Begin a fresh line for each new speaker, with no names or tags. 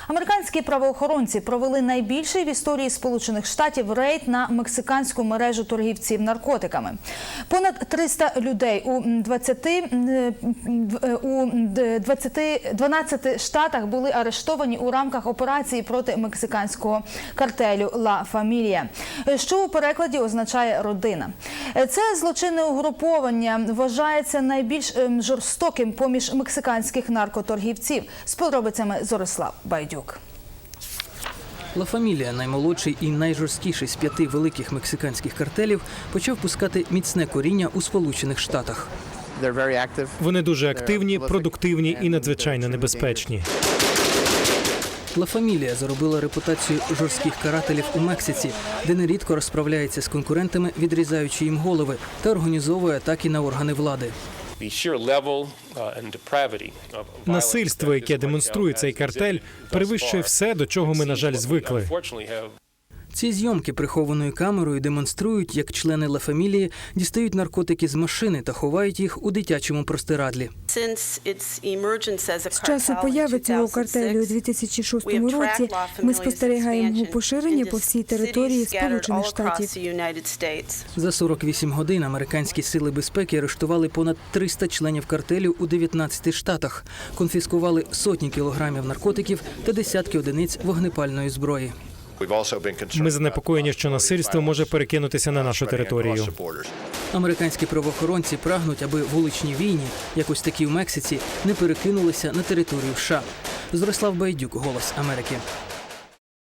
Американські правоохоронці провели найбільший в історії Сполучених Штатів рейд на мексиканську мережу торгівців наркотиками. Понад 300 людей у 12 штатах були арештовані у рамках операції проти мексиканського картелю «Ла Фамілія», що у перекладі означає «родина». Це злочинне угруповання вважається найбільш жорстоким поміж мексиканських наркоторгівців. З подробицями Зорислав Байдюк.
«Ла Фамілія», наймолодший і найжорсткіший з 5 великих мексиканських картелів, почав пускати міцне коріння у Сполучених Штатах.
Вони дуже активні, продуктивні і надзвичайно небезпечні.
«Ла Фамілія» заробила репутацію жорстких карателів у Мексиці, де нерідко розправляється з конкурентами, відрізаючи їм голови, та організовує атаки на органи влади.
Насильство, яке демонструє цей картель, перевищує все, до чого ми, на жаль, звикли.
Ці зйомки прихованою камерою демонструють, як члени «Ла Фамілії» дістають наркотики з машини та ховають їх у дитячому простирадлі.
З часу появи цього картелю у 2006 році ми спостерігаємо його поширення по всій території Сполучених Штатів.
За 48 годин американські сили безпеки арештували понад 300 членів картелю у 19 штатах, конфіскували сотні кілограмів наркотиків та десятки одиниць вогнепальної зброї.
Ми занепокоєні, що насильство може перекинутися на нашу територію.
Американські правоохоронці прагнуть, аби вуличні війни, як ось такі в Мексиці, не перекинулися на територію США. Зорислав Байдюк, «Голос Америки».